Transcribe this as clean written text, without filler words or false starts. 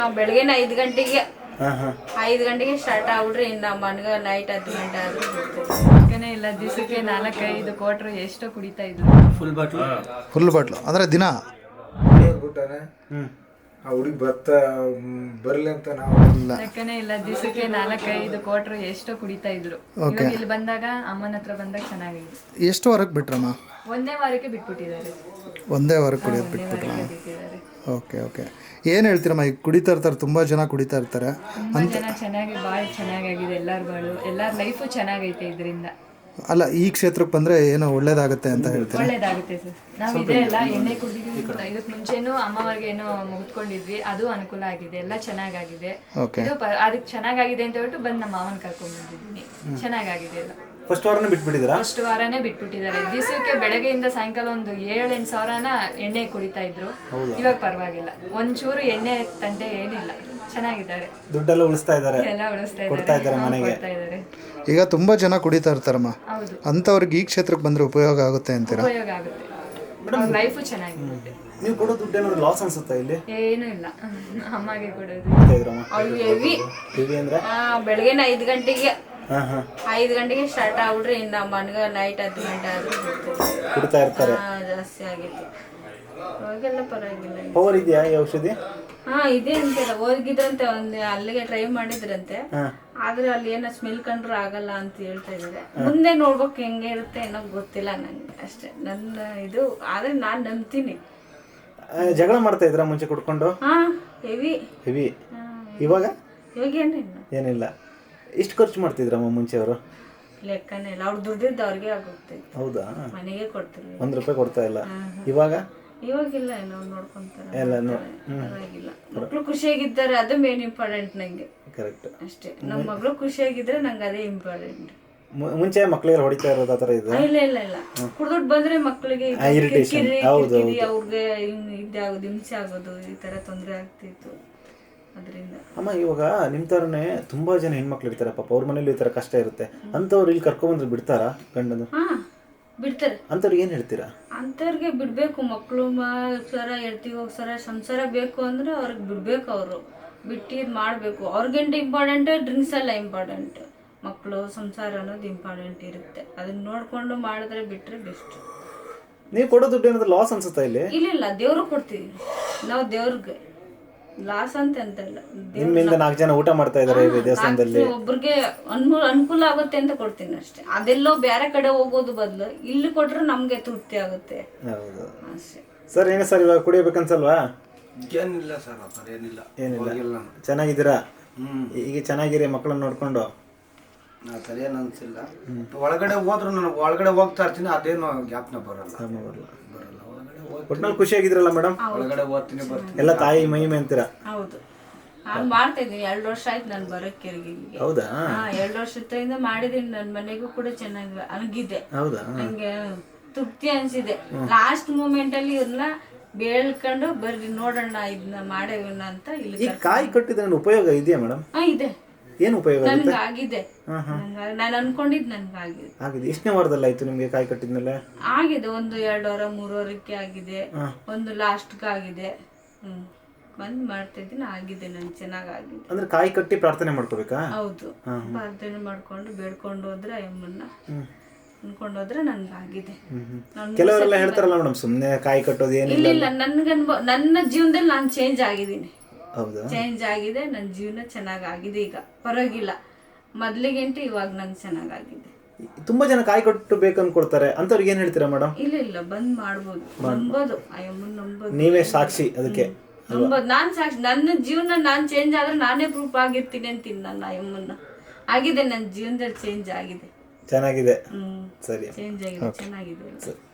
ಬೆಳಗ್ಗೆ 5 ಗಂಟೆಗೆ 5 ಗಂಟೆಗೆ ಸ್ಟಾರ್ಟ್ ಆಗ್ಬಿಟ್ರೆ ಇನ್ನು ಮನ್ಗ ನೈಟ್ 10 ಗಂಟೆ ಆದ್ರೂ ಬರ್ತಾನೆ ಇಲ್ಲ. ದಿವಸಕ್ಕೆ 4-5 ಕ್ವಾರ್ಟರ್ ಎಷ್ಟೋ ಕುಡಿತಾ ಇದ್ರು. ಫುಲ್ ಬಾಟ್ಲು ಅಂದ್ರೆ ದಿನ ಹುಡುಗಿ ಬರ್ಲಿ ಅಂತ ನಾವು ಲೆಕ್ಕನೇ ಇಲ್ಲ. ದಿವಸಕ್ಕೆ 4-5 ಕ್ವಾರ್ಟರ್ ಎಷ್ಟೋ ಕುಡಿತಾ ಇದ್ರು. ಇವಾಗ ಇಲ್ಲಿ ಬಂದಾಗ ಅಮ್ಮನ ಹತ್ರ ಬಂದಾಗ ಚೆನ್ನಾಗಿದೆ. ಎಷ್ಟು ವಾರಕ್ಕೆ ಬಿಟ್ರಮ್ಮ? ಒಂದೇ ವಾರಕ್ಕೆ ಬಿಟ್ಬಿಟ್ಟಿದ್ದಾರೆ. ಒಂದೇ ವಾರಕ್ಕೆ ಕುಡಿಯೋದು ಬಿಟ್ಬಿಟ್ರ? Okay okay. ಏನು ಹೇಳ್ತೀರಮ್ಮ? ಈಗ ಕುಡಿತಾ ಇರ್ತಾರೆ, ತುಂಬ ಜನ ಕುಡಿತಾ ಇರ್ತಾರೆ. ತುಂಬ ಜನ ಚೆನ್ನಾಗಿ ಭಾಳ ಚೆನ್ನಾಗಾಗಿದೆ. ಎಲ್ಲರ ಲೈಫು ಚೆನ್ನಾಗೈತೆ ಇದರಿಂದ. ಅಲ್ಲ, ಈ ಕ್ಷೇತ್ರಕ್ಕೆ ಬಂದರೆ ಏನೋ ಒಳ್ಳೇದಾಗುತ್ತೆ ಅಂತ ಹೇಳ್ತೀರಾ? ಒಳ್ಳೇದಾಗುತ್ತೆ ಸರ್. ನಾವು ಇದೇ ಎಲ್ಲ ಎಣ್ಣೆ ಕುಡಿದಿದ್ವಿ. ಇದಕ್ಕೆ ಮುಂಚೆನೂ ಅಮ್ಮವ್ರಿಗೆ ಏನೋ ಮುಗಿದ್ಕೊಂಡಿದ್ವಿ, ಅದು ಅನುಕೂಲ ಆಗಿದೆ. ಎಲ್ಲ ಚೆನ್ನಾಗಾಗಿದೆ. ಇದು ಅದಕ್ಕೆ ಚೆನ್ನಾಗಾಗಿದೆ ಅಂತ ಹೇಳ್ಬಿಟ್ಟು ಬಂದು ನಮ್ಮ ಮಾವನ ಕರ್ಕೊಂಡ್ ಬಂದಿದ್ದೀನಿ. ಚೆನ್ನಾಗಾಗಿದೆ ಎಲ್ಲ. ಫಸ್ಟ್ ವಾರನೇ ಬಿಟ್ಬಿಟ್ಟಿದ್ದೀರಾ? ಫಸ್ಟ್ ವಾರನೇ ಬಿಟ್ಬಿಟ್ಟಿದ್ದಾರೆ. ದಿವಸಕ್ಕೆ ಬೆಳಗ್ಗೆಯಿಂದ ಸಾಯಂಕಾಲ ಒಂದು 7-8 ಸಾವಿರನ ಎಣ್ಣೆ ಕುಡಿತಾ ಇದ್ರು. ಇವಾಗ ಪರವಾಗಿಲ್ಲ, ಒಂಚೂರು ಎಣ್ಣೆ ತಂಟೆ ಏನಿಲ್ಲ, ಚೆನ್ನಾಗಿದ್ದಾರೆ. ದುಡ್ಡೆಲ್ಲ ಉಳಿಸ್ತಾ ಇದ್ದಾರೆ, ಎಲ್ಲ ಉಳಿಸ್ತಾ ಇದ್ದಾರೆ, ಮನೆಗೆ. ಈಗ ತುಂಬ ಜನ ಕುಡಿತಾ ಇರ್ತಾರಮ್ಮ, ಹೌದು. ಅಂಥವ್ರಿಗೆ ಈ ಕ್ಷೇತ್ರಕ್ಕೆ ಬಂದರೆ ಉಪಯೋಗ ಆಗುತ್ತೆ ಅಂತೀರಾ? ಉಪಯೋಗ ಆಗುತ್ತೆ. ಲೈಫು ಚೆನ್ನಾಗಿರುತ್ತೆ. ನೀವು ಕೊಡೋ ದುಡ್ಡು ಏನಾದ್ರು ಲಾಸ್ ಅನ್ಸುತ್ತಾ ಇಲ್ಲಿ? ಏನು ಇಲ್ಲ, ಅಮ್ಮಗೆ ಕೊಡೋದು. ಹೆವಿ ಅಂದ್ರೆ ಬೆಳಗ್ಗೆ 5 ಗಂಟೆಗೆ 5 ಗಂಟೆಗೆ ಸ್ಟಾರ್ಟ್ ಆಗ್ಬಿಟ್ರೆ ಇನ್ನು ಮನ್ಗ ನೈಟ್ 10 ಗಂಟೆ ಆದ್ರೂ ಕುಡಿತಾ ಇರ್ತಾರೆ. ಜಾಸ್ತಿ ಆಗಿತ್ತು. ಅವಾಗೆಲ್ಲ ಪರವಾಗಿಲ್ಲ. ಪವರ್ ಇದೆಯಾ ಈ ಔಷಧಿ? ಇದೆ ಅಂತೆಲ್ಲ ಹೋಗಿದ್ರಂತೆ, ಒಂದು ಅಲ್ಲಿಗೆ ಟ್ರೈ ಮಾಡಿದ್ರಂತೆ. ಆದ್ರೆ ಅಲ್ಲಿ ಏನೋ ಸ್ಮೆಲ್ ಕಂಡ್ರು ಆಗಲ್ಲ ಅಂತ ಹೇಳ್ತಾ ಇದಾರೆ. ಮುಂದೆ ನೋಡ್ಬೇಕು ಹೆಂಗೆ ಇರುತ್ತೆ ಏನೋ ಗೊತ್ತಿಲ್ಲ ನಂಗೆ, ಅಷ್ಟೇ ನನ್ನ ಇದು. ಆದ್ರೆ ನಾನ್ ನಂಬ್ತೀನಿ. ಜಗಳ ಮಾಡ್ತಾ ಇದ್ರ ಮುಂಚೆ ಕುಡ್ಕೊಂಡು? ಹೆವಿ. ಇವಾಗ ಏನಿಲ್ಲ. ಎಷ್ಟು ಖರ್ಚು ಮಾಡ್ತಿದ್ರಮ್ಮ ಮುಂಚೆ ಅವರು? ಲೆಕ್ಕನೇ ಇಲ್ಲ. ಅವ್ರು ದುಡ್ಡಿದ್ದು ಅವ್ರಿಗೆ ಆಗುತ್ತೆ. ಹೌದಾ? ಮನೆಗೆ ಕೊಡ್ತೀವಿ. 1 ರೂಪಾಯಿ ಕೊಡ್ತಾ ಇಲ್ಲ. ಇವಾಗಿಲ್ಲ, ಏನೋ ನೋಡ್ಕೊಂತಾರೆ. ಪರವಾಗಿಲ್ಲ. ಮಕ್ಳು ಖುಷಿಯಾಗಿದ್ದಾರೆ, ಅದು ಮೇನ್ ಇಂಪಾರ್ಟೆಂಟ್ ನಂಗೆ. ಕರೆಕ್ಟ್. ಅಷ್ಟೇ, ನಮ್ಮ ಮಗಳು ಖುಷಿಯಾಗಿದ್ರೆ ನಂಗೆ ಅದೇ ಇಂಪಾರ್ಟೆಂಟ್. ಮುಂಚೆ ಮಕ್ಳಿಗೆ ಹೊಡಿತಾ ಇರೋದು ಆತರ ಇದೆ? ಇಲ್ಲ. ಕುಡ್ದುಟ್ಟು ಬಂದ್ರೆ ಮಕ್ಳಿಗೆ ಅವ್ರಿಗೆ ಇದಾಗೋದು, ಹಿಂಸೆ ಆಗೋದು, ಈ ತರ ತೊಂದರೆ ಆಗ್ತಿತ್ತು. ಅದರಿಂದ ಅಮ್ಮ, ಇವಾಗ ನಿಮ್ ತರನೇ ತುಂಬಾ ಜನ ಹೆಣ್ಮಕ್ಳು ಇರ್ತಾರೆ ಪಾಪ, ಅವ್ರ ಮನೇಲಿ ಈ ತರ ಕಷ್ಟ ಇರುತ್ತೆ. ಅಂತವ್ರು ಇಲ್ಲಿ ಕರ್ಕೊಂಡ್ಬಂದ್ರೆ ಬಿಡ್ತಾರಾ ಗಂಡನು? ಬಿಡ್ತಾರೆ. ಅಂತವ್ರಿಗೆ ಏನ್ ಹೇಳ್ತೀರಾ? ಅಂತವ್ರಿಗೆ ಬಿಡ್ಬೇಕು. ಮಕ್ಳು ಸರ ಎಳ್ತಿಗೆ ಹೋಗ್ಸರ ಸಂಸಾರ ಬೇಕು ಅಂದ್ರೆ ಅವ್ರಿಗೆ ಬಿಡ್ಬೇಕು. ಅವರು ಬಿಟ್ಟು ಇದು ಮಾಡ್ಬೇಕು. ಅವ್ರಿಗಂಟ ಇಂಪಾರ್ಟೆಂಟ್ ಡ್ರಿಂಕ್ಸ್ ಎಲ್ಲ ಇಂಪಾರ್ಟೆಂಟ್. ಮಕ್ಕಳು ಸಂಸಾರ ಅನ್ನೋದು ಇಂಪಾರ್ಟೆಂಟ್ ಇರುತ್ತೆ. ಅದನ್ನ ನೋಡ್ಕೊಂಡು ಮಾಡಿದ್ರೆ ಬಿಟ್ರೆ ಬೆಸ್ಟ್. ನೀವು ಕೊಡೋ ದುಡ್ಡು ಏನಾದ್ರು ಲಾಸ್ ಅನ್ಸುತ್ತಾ ಇಲ್ಲಿ? ಇಲ್ಲ, ದೇವ್ರಿಗೆ ಕೊಡ್ತೀವಿ ನಾವು. ದೇವ್ರಿಗೆ ಲಾಸ್ ಅಂತ ಇಲ್ಲ. ನಿಮ್ಮಿಂದ 4 ಜನ ಊಟ ಮಾಡ್ತಾ ಇದಾರೆ ದೇವಸ್ಥಾನದಲ್ಲಿ. ಒಬ್ರಿಗೆ ಅನುಕೂಲ ಆಗುತ್ತೆ ಅಂತ ಕೊಡ್ತೀನಿ ಅಷ್ಟೇ. ಅದೆಲ್ಲೋ ಬೇರೆ ಕಡೆ ಹೋಗೋದು ಬದಲು ಇಲ್ಲಿ ಕೊಟ್ರೆ ನಮ್ಗೆ ತೃಪ್ತಿ ಆಗುತ್ತೆ. ಹೌದು ಸರ್. ಏನು ಸರ್ ಇವಾಗ ಕುಡಿಯಬೇಕನ್ಸಲ್ವಾ? ಏನಿಲ್ಲ ಸರ್, ಏನಿಲ್ಲ. ಚೆನ್ನಾಗಿದ್ದೀರಾ? ಈಗ ಚೆನ್ನಾಗಿರಿ ಮಕ್ಕಳನ್ನ ನೋಡ್ಕೊಂಡು? ಸರಿಯೇನು ಅನ್ಸಿಲ್ಲ. ಒಳಗಡೆ ಹೋದ್ರು ನಾನು ಒಳಗಡೆ ಹೋಗ್ತಾ ಇರ್ತೀನಿ, ಅದೇನು ಜ್ಞಾಪನ ಬರಲ್ಲ. ಒಟ್ನಲ್ಲಿ ಖುಷಿಯಾಗಿದ್ರಲ್ಲ ಮೇಡಮ್? ಒಳಗಡೆ ಹೋಗ್ತೀನಿ ಬರ್ತೀನಿ. ಎಲ್ಲ ತಾಯಿ ಮಹಿಮೆ ಅಂತೀರಾ? ಹೌದು, ನಾನು ಮಾಡ್ತಾ ಇದ್ದೀನಿ. 2 ವರ್ಷ ಆಯ್ತು ನಾನು ಬರೋಕ್ಕೆ. ಹೌದಾ? 2 ವರ್ಷದಿಂದ ಮಾಡಿದೀನಿ. ನನ್ನ ಮನೆಗೂ ಕೂಡ ಚೆನ್ನಾಗಿ ಅಣಗಿದೆ. ಹೌದಾ? ನಂಗೆ ತೃಪ್ತಿ ಅನ್ಸಿದೆ. ಲಾಸ್ಟ್ ಮೂಮೆಂಟ್ ಅಲ್ಲಿ ಇವ್ರನ್ನ ಬೇಳ್ಕೊಂಡು ಬರ್ರಿ ನೋಡೋಣ ಇದನ್ನ ಮಾಡೇವನ್ನ ಅಂತ. ಇಲ್ಲಿ ಕಾಯಿ ಕಟ್ಟಿದ್ರೆ ಉಪಯೋಗ ಇದೆಯಾ ಮೇಡಮ್? ಇದೆ. ಏನು ಉಪಯೋಗ? ನನ್ಗೆ ಆಗಿದೆ. ನಾನು ಅನ್ಕೊಂಡಿದ್ ನನ್ಗೆ ಆಗಿದೆ. ಎಷ್ಟನೇ ವಾರದಲ್ಲಿ ಆಯ್ತು ನಿಮ್ಗೆ ಕಾಯಿ ಕಟ್ಟಿದ್ಮೇಲೆ? ಆಗಿದೆ, ಒಂದು 2 ವಾರ 3 ವಾರಕ್ಕೆ ಆಗಿದೆ, ಒಂದು ಲಾಸ್ಟ್ಗೆ ಆಗಿದೆ. ಬಂದ್ ಮಾಡ್ತಾ ಇದ್ದೀನಿ, ಆಗಿದೆ. ನನ್ಗೆ ಚೆನ್ನಾಗಾಗಿದೆ. ಅಂದ್ರೆ ಕಾಯಿ ಕಟ್ಟಿ ಪ್ರಾರ್ಥನೆ ಮಾಡ್ಕೋಬೇಕಾ? ಹೌದು, ಪ್ರಾರ್ಥನೆ ಮಾಡ್ಕೊಂಡು ಬೇಡ್ಕೊಂಡು ಹೋದ್ರೆ ಅಮ್ಮನ್ನ ಅನ್ಕೊಂಡು ಹೋದ್ರೆ ನನ್ಗೆ ಆಗಿದೆ. ಕೆಲವರೆಲ್ಲ ಹೇಳ್ತಾರಲ್ಲ ಮೇಡಮ್, ಸುಮ್ನೆ ಕಾಯಿ ಕಟ್ಟೋದು ಏನಿಲ್ಲ. ಇಲ್ಲ, ನನ್ನ ಜೀವನದಲ್ಲಿ ನಾನು ಚೇಂಜ್ ಆಗಿದ್ದೀನಿ. ಹೌದಾ? ಚೇಂಜ್ ಆಗಿದೆ. ನನ್ನ ಜೀವನ ಚೆನ್ನಾಗಾಗಿದೆ. ಈಗ ಪರವಾಗಿಲ್ಲ, ಮೊದ್ಲಿಗೆಂಟು ಇವಾಗ ನಂಗೆ ಚೆನ್ನಾಗಾಗಿದೆ. ತುಂಬಾ ಜನ ಕಾಯಿ ಕಟ್ಟು ಬೇಕನ್ಕೊಳ್ತಾರೆ, ಅಂತವ್ರಿಗೆ ಏನ್ ಹೇಳ್ತೀರಾ ಮೇಡಮ್? ಇಲ್ಲ, ಬಂದ್ ಮಾಡ್ಬೋದು. ನಂಬೋದು, ಅಯ್ಯಮ್ಮನ್ ನಂಬೋದು. ನೀವೇ ಸಾಕ್ಷಿ ಅದಕ್ಕೆ. ನಂಬೋದು, ನಾನ್ ಸಾಕ್ಷಿ. ನನ್ನ ಜೀವನ ನಾನ್ ಚೇಂಜ್ ಆದ್ರೆ ನಾನೇ ಪ್ರೂಫ್ ಆಗಿರ್ತೀನಿ ಅಂತೀನಿ. ನನ್ನ ಅಯ್ಯಮ್ಮನ್ನ ಆಗಿದೆ. ನನ್ನ ಜೀವನದಲ್ಲಿ ಚೇಂಜ್ ಆಗಿದೆ. ಚೆನ್ನಾಗಿದೆ. ಸರಿ, ಚೇಂಜ್ ಆಗಿದೆ, ಚೆನ್ನಾಗಿದೆ.